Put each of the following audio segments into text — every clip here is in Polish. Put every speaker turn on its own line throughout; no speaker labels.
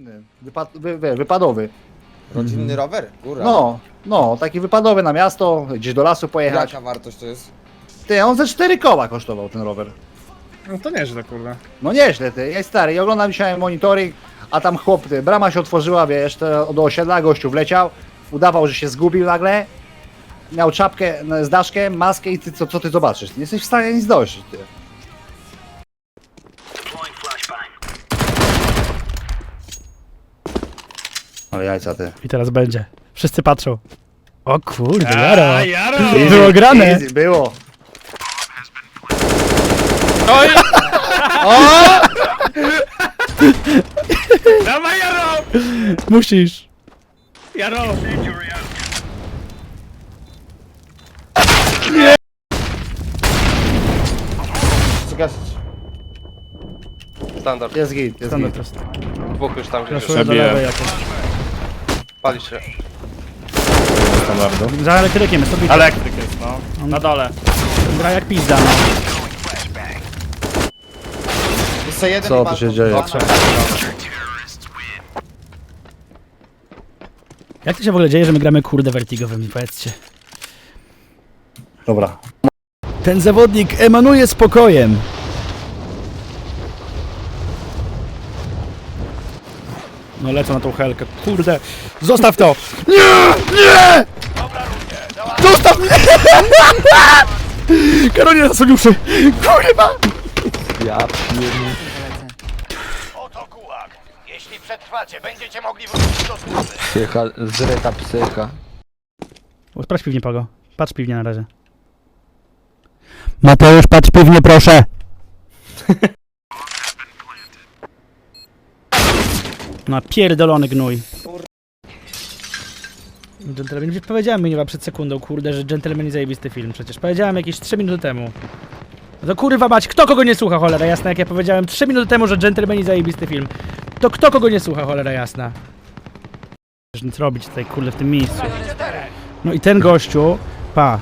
rodzinny, wypadowy.
Rodzinny rower? Góra.
No, taki wypadowy na miasto, gdzieś do lasu pojechać.
Jaka wartość to jest?
Ty, on ze 4 koła kosztował ten rower.
No to nieźle, kurde.
No nieźle, ty, jest stary. I oglądam dzisiaj monitoring, a tam chłop, ty, brama się otworzyła, wiesz, do osiedla, gościu wleciał, udawał, że się zgubił nagle, miał czapkę z daszkiem, maskę i ty, co ty zobaczysz? Nie jesteś w stanie nic dojść, ty. Ale jajca, ty.
I teraz będzie. Wszyscy patrzą. O kurde, Jaro.
Jaro!
Było grane.
Easy, było.
Oj! O! Dawaj, Jaro!
Musisz.
Jaro!
Zgasić.
Standard.
Jest git, jest
Standard
git.
prosto.
Dwóch już tam gdzieś
Raszuję
jest.
do lewej jakoś.
Pali się.
Standardu.
Za elektrykiem jest obity.
Elektryk jest, no. Na dole.
Gra jak pizda, no.
Jeszcze jeden
Co
i
tu się
balkon.
dzieje?
Dobra.
Jak to się w ogóle dzieje, że my gramy kurde vertigowymi, powiedzcie.
Dobra.
Ten zawodnik emanuje spokojem. No lecę na tą helkę, kurde. Zostaw to! Nie! Nie! Zostaw mnie! Karolina zasoniuszy! Kurwa!
Oto gułag. Jeśli przetrwacie, będziecie mogli wrócić do służby.
Psycha, zryta psycha.
O, sprawdź piwnie, Pago. Patrz piwnie na razie. Mateusz, patrz piwnie, proszę! No pierdolony gnój. Gentleman, przecież powiedziałem mi przed sekundą, kurde, że Gentleman zajebisty film. Przecież powiedziałem jakieś 3 minuty temu. No to kurwa mać, kto kogo nie słucha, cholera jasna, jak ja powiedziałem 3 minuty temu, że Gentleman zajebisty film. To kto kogo nie słucha, cholera jasna. Wiesz, nic robić tutaj, kurde, w tym miejscu. No i ten gościu, pa.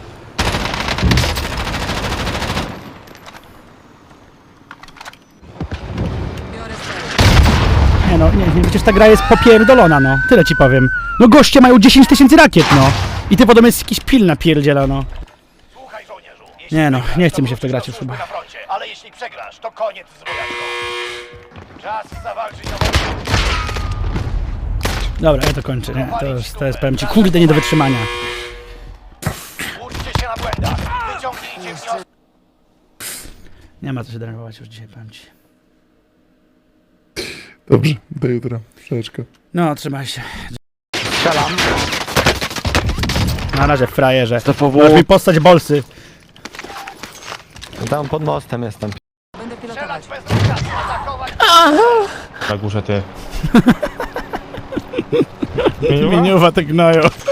Nie no, nie, przecież ta gra jest popierdolona, no. Tyle ci powiem. No goście mają 10 000 rakiet, no. I ty potem jest jakiś pil napierdziela, no.
Słuchaj, żołnierzu. Jeśli
Nie no,
wygrasz,
nie
to
chce mi się w to
wrócisz
grać
do
już
służby
chyba.
na froncie, ale jeśli przegrasz, to koniec z wojaczką. Czas zawalczyć o wolność.
Dobra, ja to kończę, nie. To jest powiem ci, kurde, nie do wytrzymania.
Uczcie się na błędach. Wyciągnijcie wnioski.
Nie ma co się denerwować już dzisiaj, powiem ci.
Dobrze, do jutra. Przeczka.
No, trzymaj się. Strzelam. Na razie, frajerze. Możesz mi postać bolsy.
Tam pod mostem jestem.
Strzelać bez rozkazu, atakować.
Na górze ty.
Imieniowa te gnoją.